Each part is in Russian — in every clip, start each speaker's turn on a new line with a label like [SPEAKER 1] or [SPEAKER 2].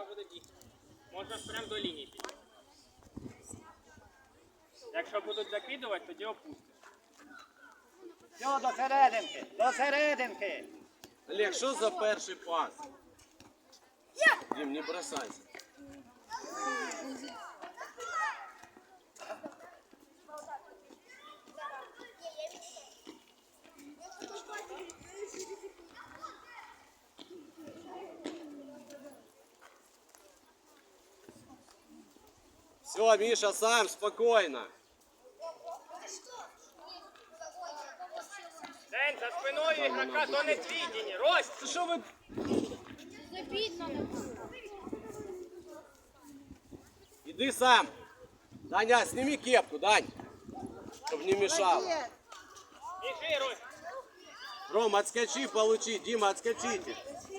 [SPEAKER 1] буде бігти. Можна ж прямо до лінії підійти. Якщо будуть закидувати, тоді опустиш.
[SPEAKER 2] Все, до серединки, до серединки.
[SPEAKER 3] Олег, що за перший пас? Дим, не бросайся. Все, Миша, сам, спокойно.
[SPEAKER 1] День, за спиною ігрока, то не твідіні. Рость!
[SPEAKER 3] Що ви... Иди сам. Даня, сними кепку, Дань. Чтобы не мешало.
[SPEAKER 1] Біжи, Рость!
[SPEAKER 3] Ром, отскочи, получи. Дима, отскочите.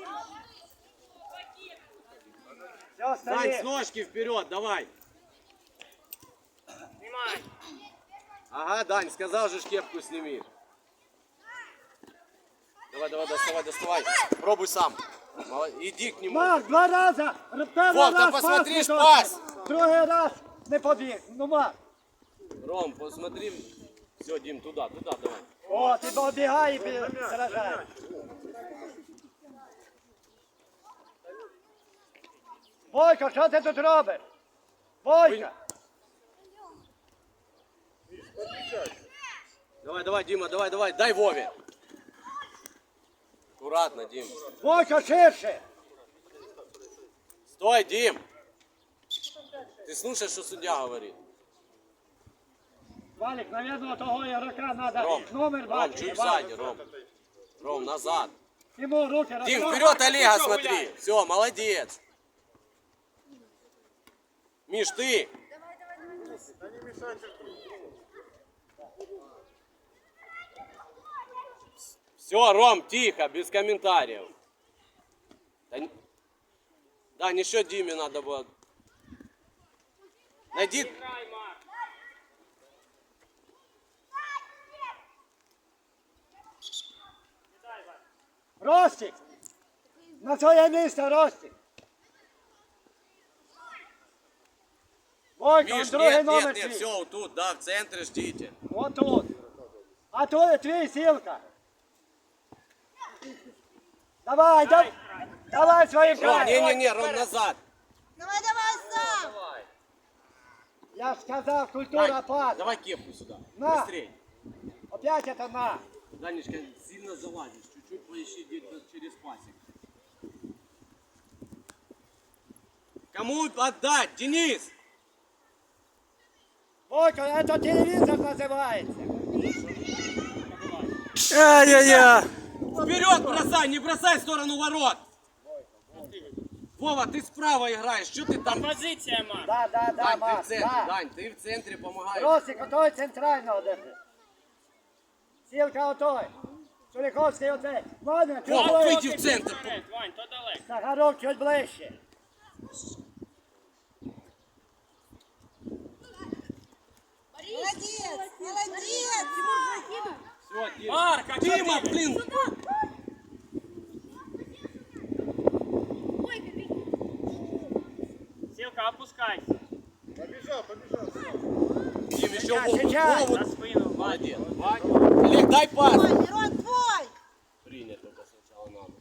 [SPEAKER 2] Все,
[SPEAKER 3] Дань, с
[SPEAKER 2] стоит.
[SPEAKER 3] ножки вперед, давай.
[SPEAKER 1] Знімай!
[SPEAKER 3] Ага, Дань, сказал же, кепку сними. Давай, давай, доставай. Пробуй сам. Иди к нему.
[SPEAKER 2] Марк, 2 рази. Перший
[SPEAKER 3] Вов, та
[SPEAKER 2] раз
[SPEAKER 3] посмотри ж
[SPEAKER 2] не
[SPEAKER 3] пас.
[SPEAKER 2] дав. Другий раз не побіг. Ну, Марк.
[SPEAKER 3] Ром, посмотри. Все, Дим, туда, давай.
[SPEAKER 2] О, ти побігай і заражаєш. Бойко, що ти тут робиш? Бойко.
[SPEAKER 3] Давай, Дима, давай. Дай Вове. Аккуратно, Дим.
[SPEAKER 2] Бойко, ширше.
[SPEAKER 3] Стой, Дим. Ты слушаешь, что судья говорит?
[SPEAKER 2] Валик, наверное, того ігрока треба
[SPEAKER 3] Ром,
[SPEAKER 2] номер
[SPEAKER 3] Ром,
[SPEAKER 2] бачити.
[SPEAKER 3] чуть сзади, Ром. Ром, назад.
[SPEAKER 2] Йому руки
[SPEAKER 3] Дим,
[SPEAKER 2] розставай.
[SPEAKER 3] вперед Олега смотри. Все, молодец. Миш, ты. Все, Ром, тихо, без комментариев. Да, еще Диме надо было. Найди.
[SPEAKER 1] Грай, Марк! Кидай, Валь!
[SPEAKER 2] Ростик. На своє місце, Ростик. Бойко,
[SPEAKER 3] Миш,
[SPEAKER 2] другий
[SPEAKER 3] нет,
[SPEAKER 2] номер
[SPEAKER 3] нет, нет,
[SPEAKER 2] твій.
[SPEAKER 3] все, вот тут, да, в центре ждите.
[SPEAKER 2] От тут. А то твій Сілка. Давай, давай своїм
[SPEAKER 3] Ром,
[SPEAKER 2] краєм.
[SPEAKER 3] не, Ром, назад.
[SPEAKER 4] Давай сам!
[SPEAKER 2] Я ж сказав, культура
[SPEAKER 3] Дань,
[SPEAKER 2] пас.
[SPEAKER 3] давай кепку сюда.
[SPEAKER 2] На.
[SPEAKER 3] Быстрей.
[SPEAKER 2] Опять это на.
[SPEAKER 3] Данечка, сильно залазишь, чуть-чуть поищи где-то через пасек. Кому отдать, Денис?
[SPEAKER 2] Бойко, это телевизор называется.
[SPEAKER 5] Ай-яй-яй!
[SPEAKER 3] Вперед бросай, не бросай в сторону ворот. Вова, ты справа играешь, что ты там?
[SPEAKER 1] Позиція, Марк!
[SPEAKER 2] Да,
[SPEAKER 3] Дань, ты в
[SPEAKER 2] Марк,
[SPEAKER 3] центре,
[SPEAKER 2] да.
[SPEAKER 3] Дань, ты в центре помогаешь.
[SPEAKER 2] Ростик, отой центрального держи. Сілка отой. Чуліковський оцей. Ладно, чуть
[SPEAKER 3] Вов,
[SPEAKER 2] ближче.
[SPEAKER 3] выйди в центр.
[SPEAKER 1] Вперед, Вань, то далеко.
[SPEAKER 2] Сахарок чуть ближче.
[SPEAKER 4] Молодец! Молодец!
[SPEAKER 3] Все,
[SPEAKER 1] Марк, а чё
[SPEAKER 3] Дима,
[SPEAKER 1] ты?
[SPEAKER 3] блин.
[SPEAKER 1] Сілка, опускайся.
[SPEAKER 3] Дим, еще
[SPEAKER 2] Сейчас.
[SPEAKER 3] Вову.
[SPEAKER 1] На спину.
[SPEAKER 3] Молодец. Олег, дай пас.
[SPEAKER 4] Мирон, твой!
[SPEAKER 3] Принять только сначала надо.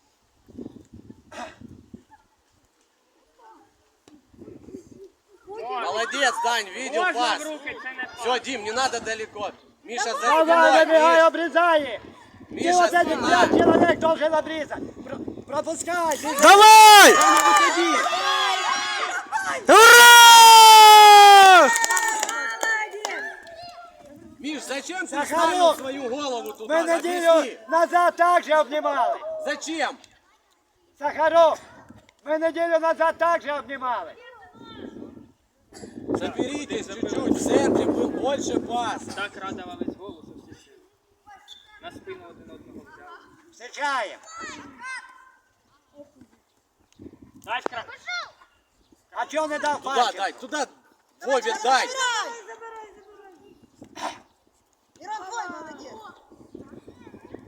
[SPEAKER 3] Молодец, Дань, видел
[SPEAKER 1] Можна
[SPEAKER 3] пас.
[SPEAKER 1] в руки, це не пас.
[SPEAKER 3] Все, Дим, не надо далеко. Миша, за
[SPEAKER 2] Давай,
[SPEAKER 3] спиной.
[SPEAKER 2] забегай,
[SPEAKER 3] Миш.
[SPEAKER 2] обрезай их. Ты
[SPEAKER 3] Миша,
[SPEAKER 2] вот этих
[SPEAKER 3] спина.
[SPEAKER 2] 5 человек должен обрезать. Пропускай. Ты
[SPEAKER 5] Давай!
[SPEAKER 2] выходи.
[SPEAKER 5] Ура!
[SPEAKER 3] Миш, зачем ты
[SPEAKER 2] Захаров,
[SPEAKER 3] вставил свою голову туда?
[SPEAKER 2] Мы неделю
[SPEAKER 3] Объясни.
[SPEAKER 2] назад также обнимали.
[SPEAKER 3] Зачем?
[SPEAKER 2] Сахаров, мы неделю назад также обнимали.
[SPEAKER 3] Соберитесь чуть-чуть, в центре был больше паса.
[SPEAKER 1] Так радувались голу, що всі сили. На спину один одного взяли.
[SPEAKER 2] Встречаем.
[SPEAKER 1] Дай крак.
[SPEAKER 2] А чё не дал
[SPEAKER 3] Туда
[SPEAKER 2] пальчик?
[SPEAKER 3] дай, туда. Вове дай.
[SPEAKER 4] Мирон, твой, молодец!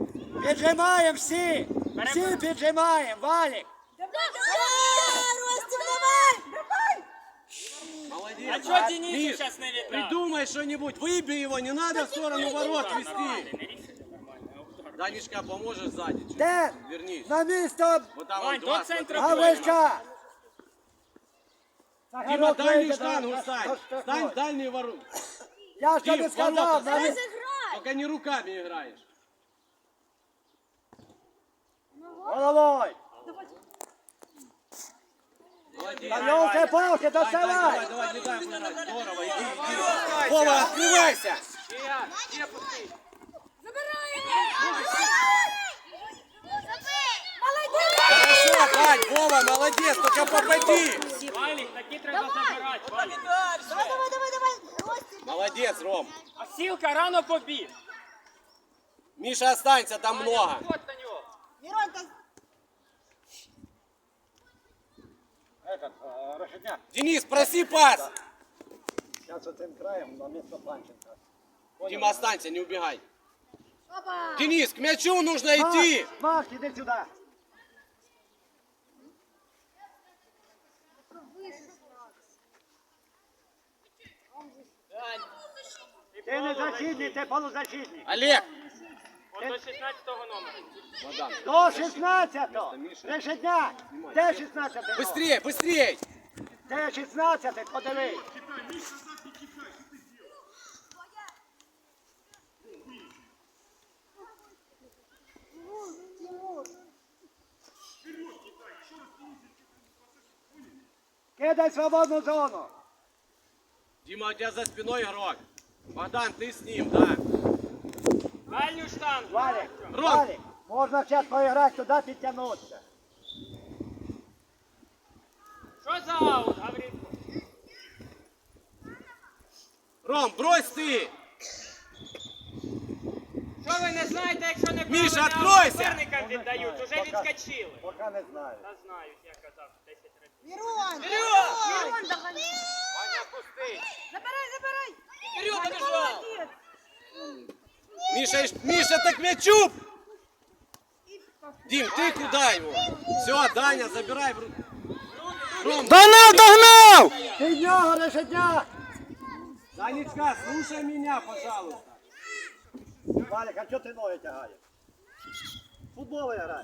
[SPEAKER 2] Піджимаємо всі. Всі піджимаємо. Валік.
[SPEAKER 4] Давай, Ростик, Давай!
[SPEAKER 3] Молодец.
[SPEAKER 1] А чого Денису
[SPEAKER 3] Миш,
[SPEAKER 1] зараз не віддав?
[SPEAKER 3] придумай что-нибудь. Выбей его, не надо в сторону ворот вести.
[SPEAKER 1] Не рішення нормально. а удар.
[SPEAKER 3] Данечка, поможешь сзади? чуть?
[SPEAKER 2] Де?
[SPEAKER 3] Вернись.
[SPEAKER 2] На місто
[SPEAKER 3] Вот там
[SPEAKER 1] Вань,
[SPEAKER 3] вот два,
[SPEAKER 1] до центра
[SPEAKER 3] смотри.
[SPEAKER 2] Гавришка!
[SPEAKER 3] Дима, дальнюю
[SPEAKER 2] вийде
[SPEAKER 3] штангу
[SPEAKER 2] на
[SPEAKER 3] стань.
[SPEAKER 2] штрафной.
[SPEAKER 3] Стань в дальние ворота.
[SPEAKER 2] Я ж тобі
[SPEAKER 3] Дим,
[SPEAKER 2] сказав,
[SPEAKER 3] ворота
[SPEAKER 2] на
[SPEAKER 3] ставь.
[SPEAKER 2] місто.
[SPEAKER 3] Только не руками играешь.
[SPEAKER 2] Головой!
[SPEAKER 3] Молодец.
[SPEAKER 2] Та ёлки-палки,
[SPEAKER 3] Давай,
[SPEAKER 2] доставай!
[SPEAKER 3] давай, не дай ему играть. Здорово, иди. Вова, открывайся. Хорошо, Дань, Вова, молодец, только попади.
[SPEAKER 1] Валік, такі треба забирати, Валік.
[SPEAKER 4] Давай! Ростик!
[SPEAKER 3] Молодец, Ром.
[SPEAKER 1] А Сілка рано побіг.
[SPEAKER 3] Миша, останься, там много.
[SPEAKER 1] От на нього.
[SPEAKER 4] Миронка!
[SPEAKER 2] Решетняк.
[SPEAKER 3] Денис, проси пас.
[SPEAKER 2] Зараз оцим краєм на місто Панченка.
[SPEAKER 3] Дима, останься, не убегай. Денис, к мячу нужно идти.
[SPEAKER 2] Макс, іди сюди. Ти не защитник, ти полузащитник.
[SPEAKER 3] Олег.
[SPEAKER 1] От до 16-го номера.
[SPEAKER 3] Богдан.
[SPEAKER 2] До 16-го. Решетняк. Де 16-й?
[SPEAKER 3] Быстрее, быстрее.
[SPEAKER 2] Де 16-й? Подивись. Кидай свободну зону.
[SPEAKER 3] Дима, у тебя за спиной игрок. Богдан, ты с ним, да.
[SPEAKER 1] Дальню штангу.
[SPEAKER 2] Валик,
[SPEAKER 3] Ром.
[SPEAKER 2] Валик, можна зараз поіграти туди, підтягнутися.
[SPEAKER 1] Що за аут, Гаврилко?
[SPEAKER 3] Ром, брось ты.
[SPEAKER 1] Що ви не знаєте, якщо не
[SPEAKER 3] Міша,
[SPEAKER 1] правильно
[SPEAKER 3] откройся!
[SPEAKER 1] суперникам віддають, уже відскочили.
[SPEAKER 2] Поки не знаю.
[SPEAKER 1] Та знають, я казав 10 разів.
[SPEAKER 4] Мирон!
[SPEAKER 1] Вперед!
[SPEAKER 3] Ваня, пустый.
[SPEAKER 4] Забирай!
[SPEAKER 1] Вперед, побежал!
[SPEAKER 3] Миша, так к мячу. Дим, ты куда его? Все, Даня, забирай в руку. Ром,
[SPEAKER 5] Догнав, догнав!
[SPEAKER 2] Ти нього, Решетняк!
[SPEAKER 3] Данечка, слушай меня, пожалуйста.
[SPEAKER 2] Валик, а чого ти ноги тягаєш? Футбол грай.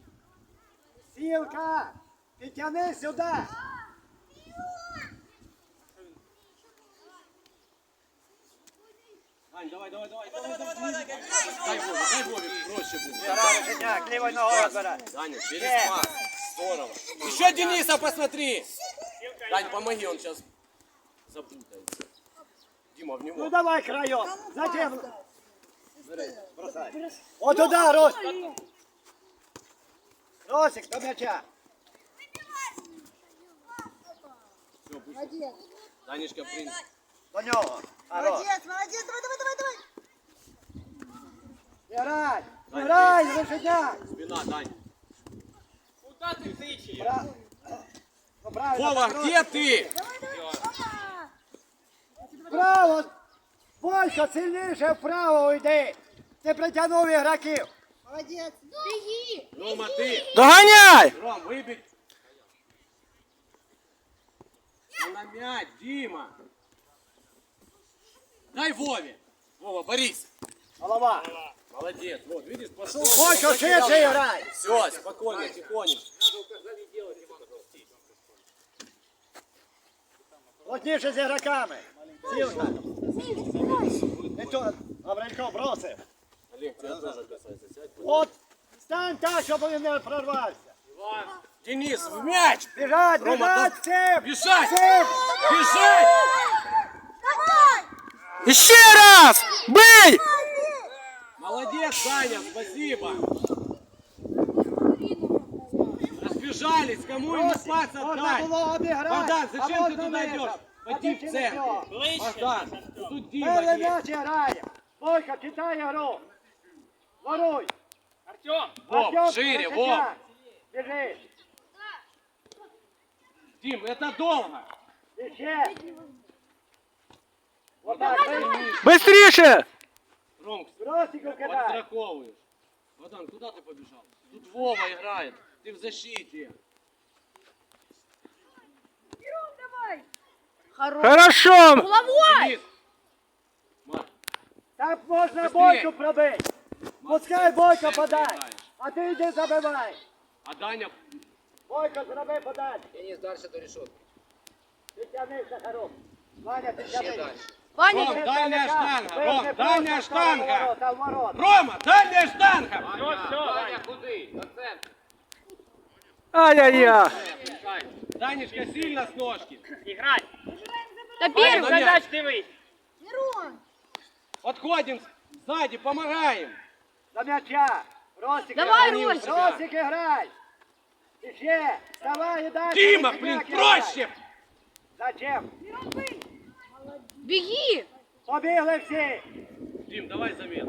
[SPEAKER 2] Сілка, підтягни сюди.
[SPEAKER 3] Дань, давай. Дай Вове, проще будет.
[SPEAKER 2] Грай, Решетняк, лівою ногою збирай.
[SPEAKER 3] Даня, через пас. Здорово. Еще Дениса посмотри. Дань, помоги, он сейчас запутается. Дима, в
[SPEAKER 2] Ну
[SPEAKER 3] него.
[SPEAKER 2] давай краєм. Зачем? Бросай. От туди, Рос. Росик, до м'яча.
[SPEAKER 3] Все, пусть.
[SPEAKER 4] Молодец!
[SPEAKER 3] Данечка, принц.
[SPEAKER 2] До нього. А, Рос.
[SPEAKER 4] Молодец! Давай!
[SPEAKER 2] Грай, грай, Решетняк.
[SPEAKER 3] Спина, Дань.
[SPEAKER 1] Куда ти тичеш?
[SPEAKER 2] Ну, правильно,
[SPEAKER 3] Вова,
[SPEAKER 2] так,
[SPEAKER 3] где ты?
[SPEAKER 2] Вправо. Бойко, сильніше вправо йди. Ти притягнув ігроків.
[SPEAKER 4] Молодец!
[SPEAKER 3] Рома, ты.
[SPEAKER 5] Доганяй!
[SPEAKER 3] Ром, выбить. Ну, на мяч, Дима. Дай Вове. Вова, борись.
[SPEAKER 2] Голова.
[SPEAKER 3] Молодец. Вот, видишь, пошел.
[SPEAKER 2] Бойко, швидше грай.
[SPEAKER 3] Все, спокойно, тихонечко.
[SPEAKER 2] Плотніше з ігроками. Сілка. Нічого, Гаврилько бросив.
[SPEAKER 3] Олег, тебя тоже касается. Сядь.
[SPEAKER 2] От, стань так, щоб він не прорвався.
[SPEAKER 3] Денис, в мяч.
[SPEAKER 2] Біжать,
[SPEAKER 3] Рома,
[SPEAKER 2] біжать, всім!
[SPEAKER 3] Бежать!
[SPEAKER 2] Всім!
[SPEAKER 3] Бежать!
[SPEAKER 5] Ще раз! Бий!
[SPEAKER 3] Молодец, Саня, спасибо. Разбежались, кому ему пас
[SPEAKER 2] Можна
[SPEAKER 3] отдать.
[SPEAKER 2] було обіграти.
[SPEAKER 3] Богдан, зачем
[SPEAKER 2] а
[SPEAKER 3] ты
[SPEAKER 2] можна
[SPEAKER 3] туда
[SPEAKER 2] низом.
[SPEAKER 3] идешь?
[SPEAKER 2] А
[SPEAKER 3] Пойди
[SPEAKER 2] ти
[SPEAKER 3] в
[SPEAKER 2] через
[SPEAKER 3] центр.
[SPEAKER 2] нього.
[SPEAKER 1] Ближче.
[SPEAKER 3] Богдан, тут Дима
[SPEAKER 2] Перший
[SPEAKER 3] есть.
[SPEAKER 2] м'яч грає. Бойко, читай гру. Воруй.
[SPEAKER 1] Артем!
[SPEAKER 3] Вов,
[SPEAKER 2] Артем,
[SPEAKER 3] шире,
[SPEAKER 2] Решетняк.
[SPEAKER 3] Вов.
[SPEAKER 2] Біжи.
[SPEAKER 3] Дим, это долго.
[SPEAKER 2] І ще. Отак, вийди.
[SPEAKER 5] Бистріше!
[SPEAKER 3] Ром,
[SPEAKER 2] Бросику кидай.
[SPEAKER 3] подстраховываешь. Богдан, куда ты побежал? Тут Вова играет. Ты в защите.
[SPEAKER 5] Хорошо.
[SPEAKER 6] Головой!
[SPEAKER 3] Марк,
[SPEAKER 2] Так можна
[SPEAKER 3] Быстрее.
[SPEAKER 2] Бойку пробити. Пускай Бойко
[SPEAKER 3] Быстрее
[SPEAKER 2] подай.
[SPEAKER 3] передаєш.
[SPEAKER 2] А ти йди забивай.
[SPEAKER 3] А Даня,
[SPEAKER 2] Бойко, зроби подачу.
[SPEAKER 3] Денис, дальше до решетки.
[SPEAKER 2] Ти тягни, Сахаров. Ваня, ти тягни.
[SPEAKER 6] Ваня,
[SPEAKER 3] Ром, дальняя штанга, Ром,
[SPEAKER 2] Вижми
[SPEAKER 3] дальняя
[SPEAKER 2] просто в
[SPEAKER 3] штанга.
[SPEAKER 2] ворота, в ворота.
[SPEAKER 3] Рома, дальняя штанга.
[SPEAKER 1] Все, Ваня.
[SPEAKER 3] куди? До центра.
[SPEAKER 5] Ай-яй-яй.
[SPEAKER 3] Данечка, сильно с ножки.
[SPEAKER 1] Іграй.
[SPEAKER 6] та
[SPEAKER 3] Ваня,
[SPEAKER 6] первый!
[SPEAKER 3] на мяч.
[SPEAKER 1] Задач дивись.
[SPEAKER 4] Мирон.
[SPEAKER 3] Подходим сзади, помогаем.
[SPEAKER 2] До м'яча. Ростик,
[SPEAKER 6] Давай,
[SPEAKER 2] грай.
[SPEAKER 6] Ростик.
[SPEAKER 2] Ростик, грай. І ще. Вставай і дальше.
[SPEAKER 3] Дима,
[SPEAKER 2] Ростик,
[SPEAKER 3] блин,
[SPEAKER 2] грай.
[SPEAKER 3] проще.
[SPEAKER 2] Зачем?
[SPEAKER 6] Беги!
[SPEAKER 2] Побігли всі.
[SPEAKER 3] Дим, давай замену.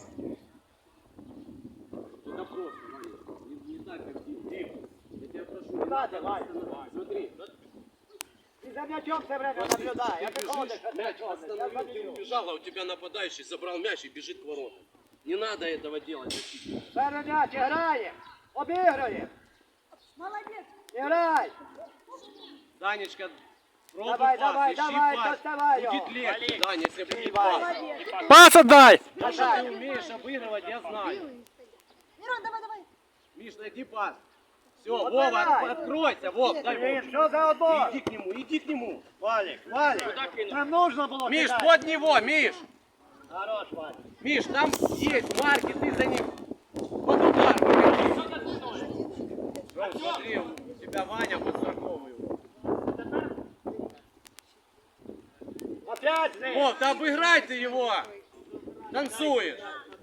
[SPEAKER 3] Это просто, Ваня. Не так, как Дим. Дим, я тебя прошу.
[SPEAKER 2] Куди ти, Ваня?
[SPEAKER 3] Смотри,
[SPEAKER 2] Ти за м'ячом все время наблюдай. А ти ходиш, а ти
[SPEAKER 3] мяч
[SPEAKER 2] ходиш. Я
[SPEAKER 3] остановил, ты
[SPEAKER 2] заб'ю.
[SPEAKER 3] убежал, а у тебя нападающий забрал мяч и бежит к воротам. Не надо этого делать.
[SPEAKER 2] Перший м'яч грає. Обігрує.
[SPEAKER 4] Молодец.
[SPEAKER 2] Грай.
[SPEAKER 3] Данечка, пробуй
[SPEAKER 2] Давай,
[SPEAKER 3] пас,
[SPEAKER 2] давай,
[SPEAKER 3] ищи
[SPEAKER 2] давай,
[SPEAKER 3] пас.
[SPEAKER 2] доставай
[SPEAKER 3] Будет
[SPEAKER 2] его.
[SPEAKER 3] легче, Даня, если будет
[SPEAKER 2] Давай.
[SPEAKER 3] пас.
[SPEAKER 5] Пас отдай.
[SPEAKER 3] То, что ты умеешь обыгрывать, я знаю.
[SPEAKER 4] Мирон, давай, давай.
[SPEAKER 3] Миш, найди пас. Все,
[SPEAKER 2] Вот
[SPEAKER 3] Вова,
[SPEAKER 2] давай.
[SPEAKER 3] откройся, Вов, дай
[SPEAKER 2] Блін,
[SPEAKER 3] Вов.
[SPEAKER 2] що за отбор?
[SPEAKER 3] Иди к нему.
[SPEAKER 2] Валік, Валік. Нам нужно було
[SPEAKER 3] Миш,
[SPEAKER 2] кидати.
[SPEAKER 3] под него, Миш.
[SPEAKER 2] Хорош, Валік.
[SPEAKER 3] Миш, там есть марки, ты за ним. Под удар выходи. Ром, смотри, у тебя Ваня подстраховывает.
[SPEAKER 2] Опять з ним.
[SPEAKER 3] Вов, да обыграй ты его. Танцуешь.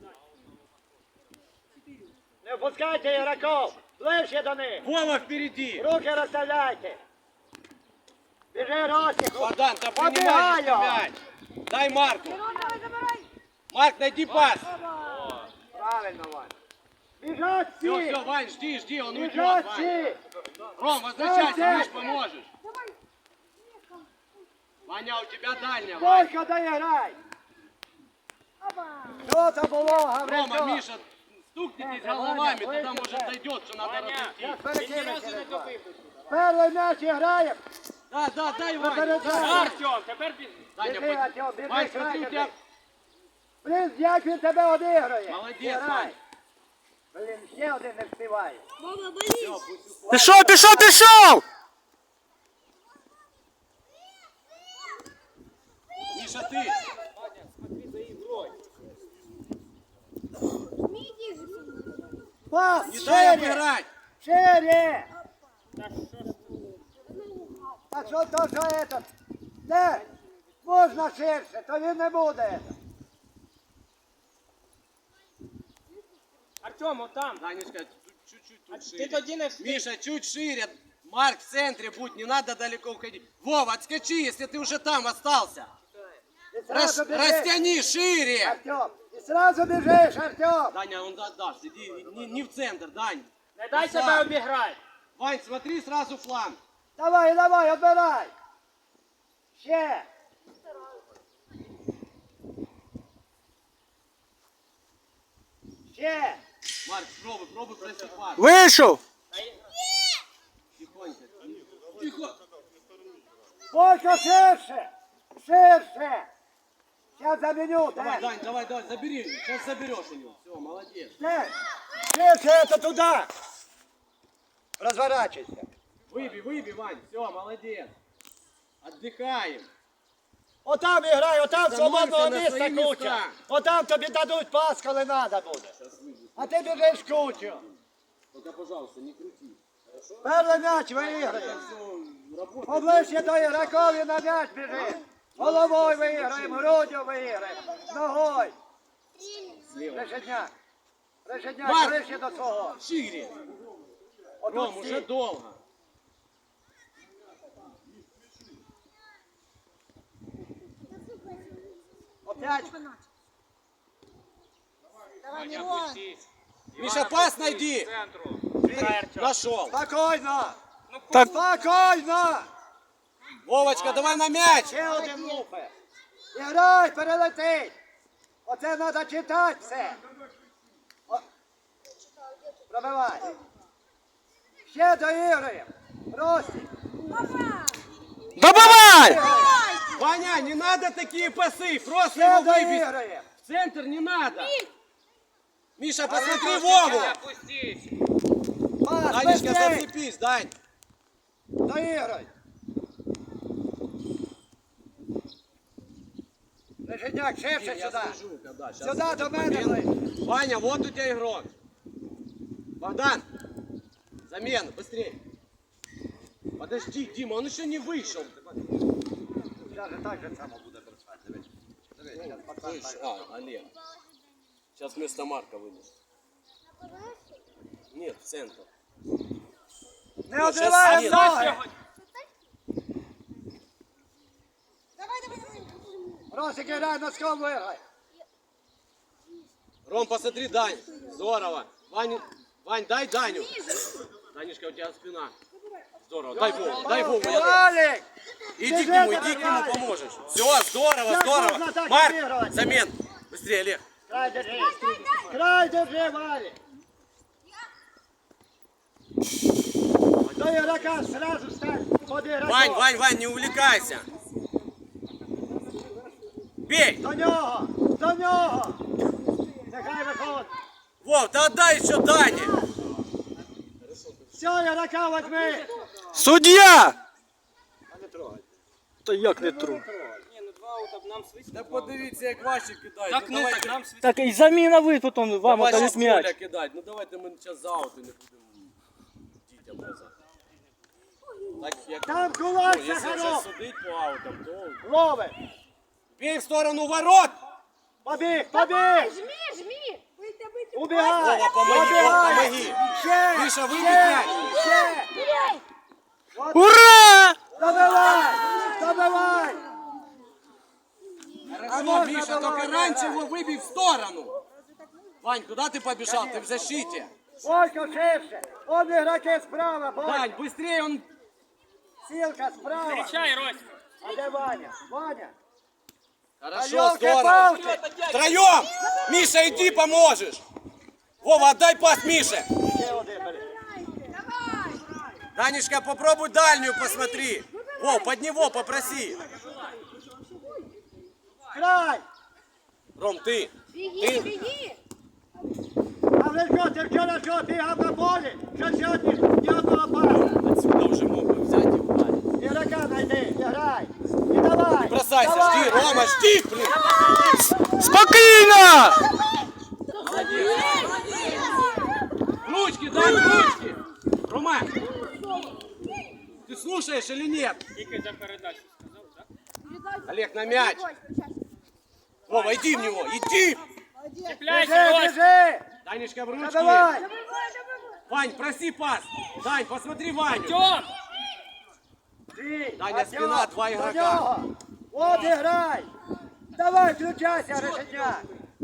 [SPEAKER 2] Не впускайте ігроків. Ближче до них.
[SPEAKER 3] Вова впереди.
[SPEAKER 2] Руки розставляйте. Біжи, Ростик.
[SPEAKER 3] Богдан, да принимай
[SPEAKER 2] Побігаю.
[SPEAKER 3] мяч. Дай Марку.
[SPEAKER 4] Мирон, давай, забирай.
[SPEAKER 3] Марк, найди пас.
[SPEAKER 2] Правильно, Вань. Біжать
[SPEAKER 3] Все,
[SPEAKER 2] всі.
[SPEAKER 3] все, Вань, жди, он уйдет,
[SPEAKER 2] Біжать
[SPEAKER 3] Вань.
[SPEAKER 2] всі.
[SPEAKER 3] Ром, возвращайся,
[SPEAKER 2] Давай,
[SPEAKER 3] Миш, поможешь.
[SPEAKER 4] Давай.
[SPEAKER 3] Ваня, у тебя дальняя, Вань.
[SPEAKER 2] Бойко доіграй.
[SPEAKER 4] Оба.
[SPEAKER 2] Що це було,
[SPEAKER 3] Рома,
[SPEAKER 2] Гаврилько?
[SPEAKER 3] Миша, стукнитесь головами, тогда может дойдет, что надо разойти.
[SPEAKER 2] Перекинь через вас. Перший м'яч грає.
[SPEAKER 3] Да, дай, Ваня.
[SPEAKER 2] Попереджай.
[SPEAKER 1] Артем, тепер ти.
[SPEAKER 3] Даня,
[SPEAKER 2] Біжи, Артем, біжи,
[SPEAKER 3] Вань, смотри, у тебя...
[SPEAKER 2] Блін, як він тебе одігрує.
[SPEAKER 3] Молодець,
[SPEAKER 2] Грай.
[SPEAKER 3] Вань.
[SPEAKER 2] Блін, ще один не встигає.
[SPEAKER 4] Мама, болит.
[SPEAKER 5] Пішов, пішов, пішов.
[SPEAKER 3] Миша, ты.
[SPEAKER 4] Миди же.
[SPEAKER 2] Пас,
[SPEAKER 3] Не дай
[SPEAKER 2] шире,
[SPEAKER 3] обыграть.
[SPEAKER 2] шире. А що то, що этот? Де? Можна ширше, то він не буде.
[SPEAKER 1] Артем, отам.
[SPEAKER 3] Данечка, чуть-чуть
[SPEAKER 1] А
[SPEAKER 3] тут
[SPEAKER 1] ти
[SPEAKER 3] шире.
[SPEAKER 1] тоді не встиг.
[SPEAKER 3] Миша, чуть шире. Марк в центре будь, не надо далеко уходить. Вова, отскочи, если ты уже там остался.
[SPEAKER 2] І сразу біжиш.
[SPEAKER 3] Растяни шире.
[SPEAKER 2] Артем, і сразу біжиш, Артем.
[SPEAKER 3] Даня, он даст, иди не в центр, Дань.
[SPEAKER 1] Не дай
[SPEAKER 3] Сам.
[SPEAKER 1] себе обіграти.
[SPEAKER 3] Вань, смотри сразу фланг.
[SPEAKER 2] Давай, давай, отбирай. Ще. Ще.
[SPEAKER 3] Марк, пробуй пройти пас.
[SPEAKER 5] Вийшов.
[SPEAKER 3] Тихонько. Тихо.
[SPEAKER 2] Бойко ширше. Ширше. Сейчас заменю.
[SPEAKER 3] Давай,
[SPEAKER 2] Дэн.
[SPEAKER 3] Дань, давай, забери. Сейчас заберешь у него. Все, молодец.
[SPEAKER 2] Дэн. Ширше это туда. Разворачивайся.
[SPEAKER 3] Выбей, Вань. Все, молодец. Отдыхаем.
[SPEAKER 2] Отам іграй, отам
[SPEAKER 3] Становься
[SPEAKER 2] свободного
[SPEAKER 3] на
[SPEAKER 2] місця
[SPEAKER 3] свої
[SPEAKER 2] куча.
[SPEAKER 3] місця.
[SPEAKER 2] Отам тобі дадуть пас, коли треба буде. А ти біжиш кучу.
[SPEAKER 3] Только, пожалуйста, не крути. Хорошо?
[SPEAKER 2] Перший м'яч виіграє.
[SPEAKER 3] Все, работай.
[SPEAKER 2] Поближче до ігрокові на м'яч біжи. Головою виіграємо, груддю виіграємо, ногою.
[SPEAKER 3] Слева.
[SPEAKER 2] Решетняк. Решетняк,
[SPEAKER 3] Марк!
[SPEAKER 2] ближче до свого.
[SPEAKER 3] Шире.
[SPEAKER 2] Отут
[SPEAKER 3] Ром,
[SPEAKER 2] всі.
[SPEAKER 3] уже долго.
[SPEAKER 2] Опять.
[SPEAKER 4] Давай, Мирон.
[SPEAKER 3] Миша, пас найди.
[SPEAKER 1] Центру.
[SPEAKER 3] Нашел.
[SPEAKER 2] Спокійно.
[SPEAKER 5] Так.
[SPEAKER 2] Спокійно.
[SPEAKER 3] Вовочка, давай на мяч.
[SPEAKER 2] Ще один лупи. Іграй, перелетить. Оце треба читати все. О. Пробивай. Ще доіграємо. Ростик.
[SPEAKER 4] Опа.
[SPEAKER 5] Добивай!
[SPEAKER 3] Ваня, не надо такие пасы, просто
[SPEAKER 2] Все
[SPEAKER 3] его выбить.
[SPEAKER 2] доіграє.
[SPEAKER 3] В центр не надо. Миша, посмотри Вову.
[SPEAKER 1] Опустись.
[SPEAKER 2] Пас,
[SPEAKER 3] Данечка,
[SPEAKER 2] быстрей.
[SPEAKER 3] зацепись, Дань.
[SPEAKER 2] Доіграй. Леженяк, ширше
[SPEAKER 3] Я
[SPEAKER 2] сюди.
[SPEAKER 3] скажу, когда. Сейчас
[SPEAKER 2] Сюди до мене ближче.
[SPEAKER 3] Ваня, вот у тебя игрок. Богдан, замена, быстрее. Подожди, Дима, он еще не вышел.
[SPEAKER 2] Даже так же само буде бросати. Дивись. Дивись, зараз пацан
[SPEAKER 3] Слышь,
[SPEAKER 2] так.
[SPEAKER 3] Олег. Сейчас вместо Марка вынес. Нет, в центр.
[SPEAKER 2] Не
[SPEAKER 3] щас
[SPEAKER 2] одриває
[SPEAKER 3] Олег.
[SPEAKER 2] ноги.
[SPEAKER 4] Давай, давай, давай.
[SPEAKER 2] Росик, грай, носком виграй.
[SPEAKER 3] Ром, посмотри, Дань. Здорово. Вань, дай Даню. Данечка, у тебя спина. Здорово. Дай Вову, дай Вову.
[SPEAKER 2] Валик!
[SPEAKER 3] Иди к нему поможешь. Все, здорово,
[SPEAKER 2] Как
[SPEAKER 3] здорово.
[SPEAKER 2] можно так
[SPEAKER 3] Марк,
[SPEAKER 2] играть?
[SPEAKER 3] замен. Быстрее, Олег.
[SPEAKER 2] Край держи. Край держи, Валик. До игрока сразу стань под игроком.
[SPEAKER 3] Вань, не увлекайся. Бей.
[SPEAKER 2] До нього, до нього. Нехай виходить.
[SPEAKER 3] Вов, да отдай еще Дане.
[SPEAKER 2] Все, игрока возьми.
[SPEAKER 5] Суддя! Та як не тру?
[SPEAKER 1] Ні, ну 2 аута нам свистнуло.
[SPEAKER 3] Да подивіться, як ваші кидають.
[SPEAKER 1] Так, ну
[SPEAKER 3] давайте,
[SPEAKER 1] так нам свистнуло.
[SPEAKER 5] Так і заміна ви потім вам
[SPEAKER 3] ваші
[SPEAKER 5] отдають
[SPEAKER 3] з
[SPEAKER 5] м'яч.
[SPEAKER 3] поля кидають. Ну давайте ми зараз за аути не будемо дітям назад. Так, як...
[SPEAKER 2] Там кулак
[SPEAKER 3] Ну, якщо вже
[SPEAKER 2] Сахаров.
[SPEAKER 3] судить по аутам, то...
[SPEAKER 2] Ловить.
[SPEAKER 3] Бей в сторону ворот!
[SPEAKER 2] Побіг, побіг.
[SPEAKER 6] Жми, жми.
[SPEAKER 4] Выйти, выйти.
[SPEAKER 2] Убігай.
[SPEAKER 3] Вова, помоги,
[SPEAKER 2] Убігай.
[SPEAKER 3] помоги.
[SPEAKER 2] Ще,
[SPEAKER 3] Миша, вибій
[SPEAKER 2] ще,
[SPEAKER 3] м'яч.
[SPEAKER 2] ще.
[SPEAKER 5] Ура!
[SPEAKER 2] Добивай, добивай.
[SPEAKER 3] Хорошо,
[SPEAKER 2] можно
[SPEAKER 3] Миша,
[SPEAKER 2] было
[SPEAKER 3] только
[SPEAKER 2] играть.
[SPEAKER 3] раньше его выбей в сторону. Вань, куда ты побежал? Ты в защите.
[SPEAKER 2] Бойко ширше. Он игроки справа, Бойко.
[SPEAKER 3] Дань, быстрее, он...
[SPEAKER 2] Силка справа.
[SPEAKER 1] Встречай, Рось.
[SPEAKER 2] А де Ваня? Ваня.
[SPEAKER 3] Хорошо,
[SPEAKER 2] Ёлки-палки.
[SPEAKER 3] здорово. Втроем! Миша, иди поможешь. Вова, отдай пас Мише.
[SPEAKER 2] Ще один бери.
[SPEAKER 3] Данечка, попробуй дальнюю посмотри. Вов, под него попроси.
[SPEAKER 2] Край.
[SPEAKER 3] Ром, ты.
[SPEAKER 6] Беги, беги.
[SPEAKER 2] А ви що, ти вчора що, бігав на полі? Що сьогодні ні одного пасу?
[SPEAKER 3] Отсюда уже мог бы взять и ударить.
[SPEAKER 2] Ігрока знайди, грай. І давай.
[SPEAKER 3] Бросайся,
[SPEAKER 2] давай.
[SPEAKER 3] жди, Рома, жди, блин.
[SPEAKER 5] Спокійно!
[SPEAKER 3] Ручки, дай ручки. Рома, ты слушаешь или нет?
[SPEAKER 1] Тільки за передачу сказав, так?
[SPEAKER 3] Олег, на мяч. Вова, иди в него, иди.
[SPEAKER 1] Чіпляйся,
[SPEAKER 2] Біжи,
[SPEAKER 1] Рось.
[SPEAKER 2] біжи.
[SPEAKER 3] Данечка, в ручки.
[SPEAKER 2] Забивай.
[SPEAKER 3] Вань, проси пас. Дань, посмотри Ваню.
[SPEAKER 1] Тьом.
[SPEAKER 2] Ти,
[SPEAKER 3] Даня,
[SPEAKER 2] Артем,
[SPEAKER 3] спина, два
[SPEAKER 2] до
[SPEAKER 3] игрока.
[SPEAKER 2] нього. От і грай. Давай, включайся, Решетняк.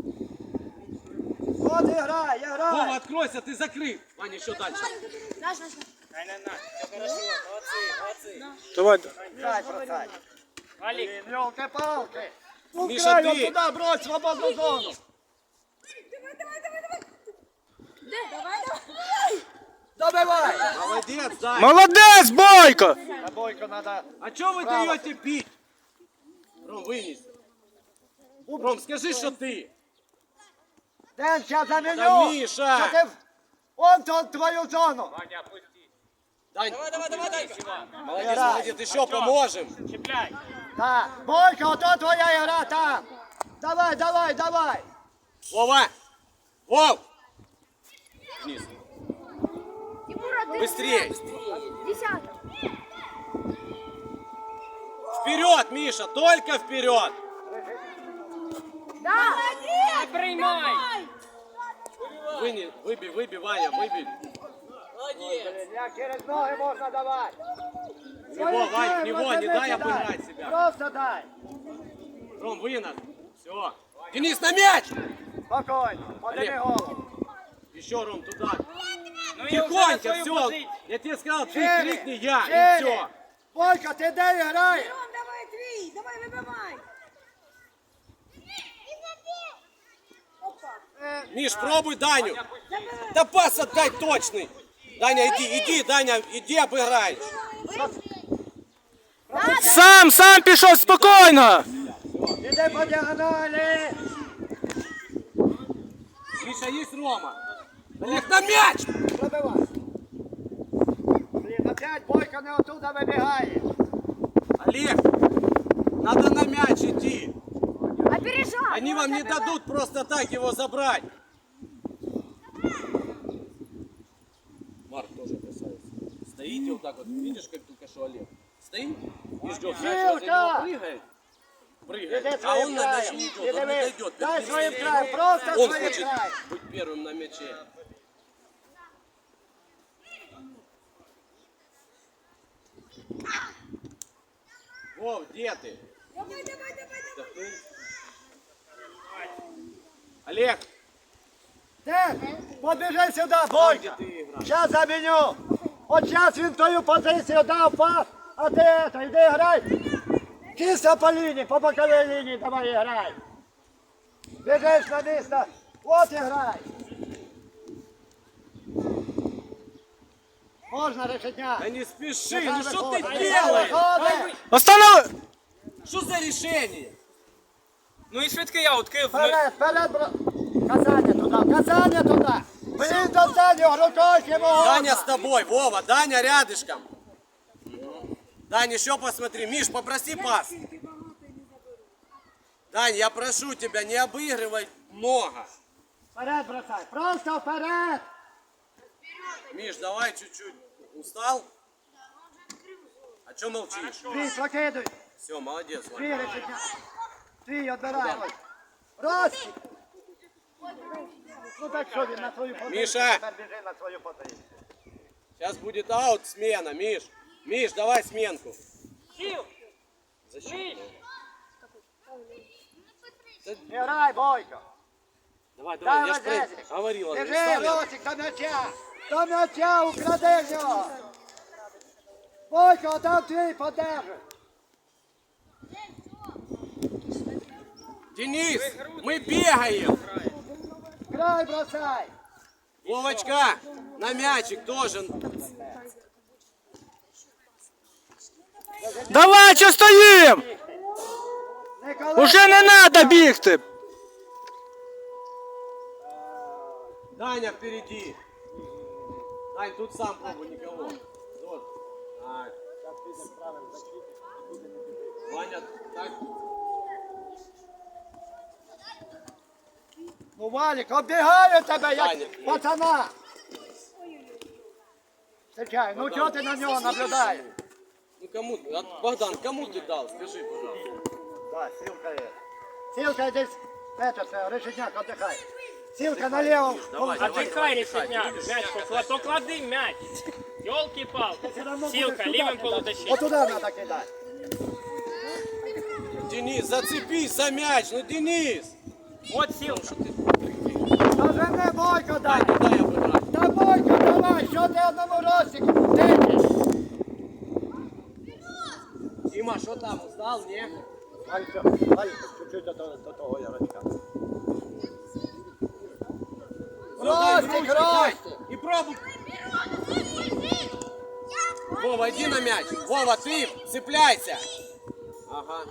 [SPEAKER 2] От і грай, і
[SPEAKER 3] Вова,
[SPEAKER 2] грай.
[SPEAKER 3] откройся, ты закрыт. Ваня, еще дальше.
[SPEAKER 6] Наш, наш.
[SPEAKER 1] На, все хорошо. Молодці, молодці.
[SPEAKER 5] Давай.
[SPEAKER 2] Грай, бросай.
[SPEAKER 1] Валік.
[SPEAKER 2] Ёлки-палки. Ну,
[SPEAKER 3] Миша,
[SPEAKER 2] край,
[SPEAKER 3] ты.
[SPEAKER 2] от туди, брось, свободну зону.
[SPEAKER 4] Давай, давай.
[SPEAKER 2] Добивай.
[SPEAKER 3] Молодец, Дань.
[SPEAKER 5] Молодець, Бойко!
[SPEAKER 2] На Бойко надо.
[SPEAKER 3] А что вы
[SPEAKER 2] Право.
[SPEAKER 3] даете пить? Ром, вынес. Ром, скажи, что ты.
[SPEAKER 2] Ден, сейчас заменю.
[SPEAKER 3] Да, Миша.
[SPEAKER 2] Що ти в- Он тут твою зону.
[SPEAKER 1] Ваня, опусти.
[SPEAKER 3] Дань,
[SPEAKER 1] Давай.
[SPEAKER 3] молодец,
[SPEAKER 2] Играй.
[SPEAKER 3] молодец, еще поможем.
[SPEAKER 1] Чіпляй.
[SPEAKER 2] Так, Бойко, ото твоя игра там. Давай, давай, давай.
[SPEAKER 3] Вова! Вов! Вниз.
[SPEAKER 6] Тимура, ты
[SPEAKER 3] Быстрее!
[SPEAKER 6] десяток.
[SPEAKER 3] Вперед, Миша, только вперед!
[SPEAKER 6] Да.
[SPEAKER 1] Не приймай.
[SPEAKER 3] Выбей, Ваня, выбей.
[SPEAKER 2] Як через ноги можна давати.
[SPEAKER 3] В него, Вань, в него, не дай обыграть себя.
[SPEAKER 2] Просто дай.
[SPEAKER 3] Ром, вынос. Все. Денис, на мяч!
[SPEAKER 2] Спокойно, подними
[SPEAKER 3] Олег.
[SPEAKER 2] голову.
[SPEAKER 3] Еще, Ром, туда.
[SPEAKER 1] Ну і вже на
[SPEAKER 3] Тихонько,
[SPEAKER 1] свою
[SPEAKER 3] все.
[SPEAKER 1] позицію.
[SPEAKER 3] Я тебе сказал, ты
[SPEAKER 2] Шире,
[SPEAKER 3] крикни я, и
[SPEAKER 2] шире.
[SPEAKER 3] все.
[SPEAKER 2] Бойко, ти де граєш?
[SPEAKER 4] Ром, давай, твій. Давай, вибивай. Опа.
[SPEAKER 3] Миш, пробуй Даню. Да пас отдай точный. Даня, иди, Даня, иди обыграй.
[SPEAKER 5] Сам пішов спокійно.
[SPEAKER 2] Іди по діагоналі.
[SPEAKER 3] Миша, есть Рома. Олег, на мяч!
[SPEAKER 2] Пробивай. Блін, опять Бойко не отуда вибігає.
[SPEAKER 3] Олег, надо на мяч идти.
[SPEAKER 6] Опережай.
[SPEAKER 3] Они вам не дадут просто так его забрать. Марк тоже красавец. Стоите вот так вот, видишь, как только что Олег? Стоит и ждет. Мяч возле него прыгает. Прыгает.
[SPEAKER 2] Іди
[SPEAKER 3] А
[SPEAKER 2] своїм
[SPEAKER 3] он на мяч
[SPEAKER 2] краєм.
[SPEAKER 3] не идет,
[SPEAKER 2] Іди
[SPEAKER 3] он не
[SPEAKER 2] ви.
[SPEAKER 3] дойдет.
[SPEAKER 2] Дай своїм
[SPEAKER 3] Перед
[SPEAKER 2] краєм,
[SPEAKER 3] ним.
[SPEAKER 2] просто
[SPEAKER 3] Он
[SPEAKER 2] своїм
[SPEAKER 3] хочет
[SPEAKER 2] краєм.
[SPEAKER 3] быть первым на мяче. Вов, где ты?
[SPEAKER 4] Давай, давай, давай.
[SPEAKER 3] Олег,
[SPEAKER 2] Дед, побіжи сюди, Бойко.
[SPEAKER 3] где ты играешь?
[SPEAKER 2] Зараз заміню. От зараз він твою позицію дав пас, а ти это, йди грай. Чисто по лінії, по боковій лінії давай і грай. Біжиш на місце, от і грай. Можна решетня.
[SPEAKER 3] Да не спеши,
[SPEAKER 2] Нехай
[SPEAKER 3] ну что ты
[SPEAKER 2] виходить,
[SPEAKER 3] делаешь?
[SPEAKER 2] нехай виходить.
[SPEAKER 5] Останов...
[SPEAKER 3] Что за решение?
[SPEAKER 1] Ну і швидкий аут, Київ.
[SPEAKER 2] Вперед, вперед, бро. Казання туди, казання туди. Блін, до Даню, рукою йому.
[SPEAKER 3] Даня с тобой, Вова, Даня рядышком. Дань, еще посмотри. Миш, попроси пас. Дань, я прошу тебя, не обыгрывай много.
[SPEAKER 2] Вперед бросай, просто вперед.
[SPEAKER 3] Миш, давай чуть-чуть. Устал? А что молчишь?
[SPEAKER 2] Твій, прокидуй.
[SPEAKER 3] Все, молодец. Ваня.
[SPEAKER 2] Твій решетня. Твій, відбирай. Раз. Ну так що він на свою позицію.
[SPEAKER 3] Міша!
[SPEAKER 2] Тепер біжи на свою позицію.
[SPEAKER 3] Сейчас будет аут, смена, Миш. Миш, давай сменку. Защиту.
[SPEAKER 2] Не грай, Бойко.
[SPEAKER 3] Давай,
[SPEAKER 2] Дай
[SPEAKER 3] давай, я ж
[SPEAKER 2] Лазезик.
[SPEAKER 3] говорил.
[SPEAKER 2] Біжи, Росик, до м'яча. До м'яча, укради в нього. Бойко, там твій подержи.
[SPEAKER 3] Денис, мы бегаем.
[SPEAKER 2] Грай, бросай.
[SPEAKER 3] Вовочка, на мячик тоже.
[SPEAKER 5] Давай, що стоїм?
[SPEAKER 2] Не коли.
[SPEAKER 5] Уже не треба бігти.
[SPEAKER 3] Даня впереди. Дань, тут сам пробуй никого. Вот. Так. Ваня, так.
[SPEAKER 2] Ну, Валік, оббігаю тебе,
[SPEAKER 3] Даня.
[SPEAKER 2] як пацана. Чекай, ну чого ти на нього наблюдаєш?
[SPEAKER 3] Ну кому, Богдан, кому ты дал? Скажи, пожалуйста.
[SPEAKER 2] Да, Силка є. Силка здесь, це, решетняк, отдыхай. Силка налево.
[SPEAKER 3] Давай, давай.
[SPEAKER 1] Отдыхай, решетняк. Мяч поклади мяч. Ёлки-палки. Силка, левым полузащитником.
[SPEAKER 2] Вот туда надо кидать.
[SPEAKER 3] Денис, зацепись за мяч, ну Денис!
[SPEAKER 1] Вот Силка.
[SPEAKER 2] Даже не Бойко дай.
[SPEAKER 3] Дай, дай обыграть.
[SPEAKER 2] Та Бойко, давай, що ти одному Росику течеш?
[SPEAKER 3] Дима, что там, устал, не?
[SPEAKER 2] Дай чуть-чуть до того ярочка. Ростик, Ростик.
[SPEAKER 3] И пробуй. Вова, иди на мяч. Вова, ты цепляйся. Ага.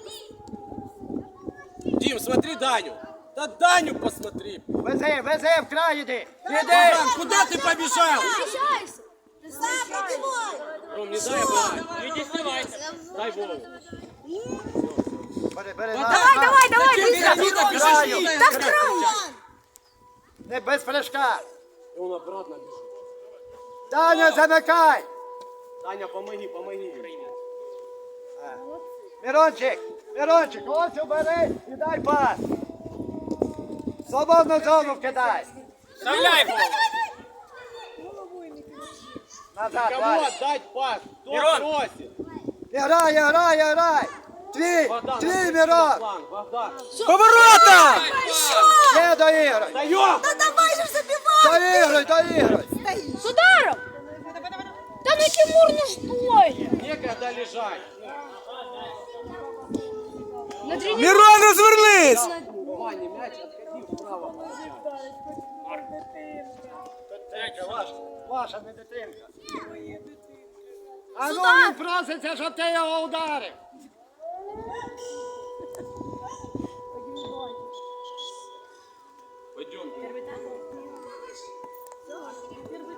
[SPEAKER 3] Дим, смотри Даню. Да Даню посмотри.
[SPEAKER 2] Вези, вези, в край іди. Іди.
[SPEAKER 3] Богдан, куда ты побежал?
[SPEAKER 6] Опережайся.
[SPEAKER 3] Ром, не дай обыграть.
[SPEAKER 1] Иди снимайся.
[SPEAKER 3] Дай Вову.
[SPEAKER 2] Бери,
[SPEAKER 6] Давай, быстро.
[SPEAKER 3] Никита, бежишь,
[SPEAKER 2] Краю.
[SPEAKER 3] Никита,
[SPEAKER 6] Да в
[SPEAKER 3] играй.
[SPEAKER 6] край.
[SPEAKER 2] Не без прыжка.
[SPEAKER 3] И он обратно бежит.
[SPEAKER 2] Даня, замикай.
[SPEAKER 3] Даня, помоги, помоги.
[SPEAKER 2] Мирончик, Мирончик, ось убери і дай пас. Свободну зону кидай.
[SPEAKER 1] Вставляй его.
[SPEAKER 2] Назад,
[SPEAKER 3] Кому
[SPEAKER 2] Валя.
[SPEAKER 3] отдать пас? Кто
[SPEAKER 1] Мирон.
[SPEAKER 3] просит?
[SPEAKER 2] Играй. Твій,
[SPEAKER 3] Богдан,
[SPEAKER 2] твій,
[SPEAKER 3] отойди на
[SPEAKER 2] Мирон.
[SPEAKER 3] фланг, Богдан.
[SPEAKER 5] Поворота!
[SPEAKER 2] Ще доіграй.
[SPEAKER 3] Даем!
[SPEAKER 4] Давай же забивай!
[SPEAKER 2] Доіграй.
[SPEAKER 6] С ударом. Да ну Тимур, ну что?
[SPEAKER 3] Некогда лежать.
[SPEAKER 6] На тренировке.
[SPEAKER 5] Мирон, розвернись!
[SPEAKER 3] Ваня, мяч отходи вправо.
[SPEAKER 2] Дитинка, ваша не дитинка. А ну
[SPEAKER 6] Сюда.
[SPEAKER 2] він проситься, щоб ти його ударив.
[SPEAKER 3] Пойдем.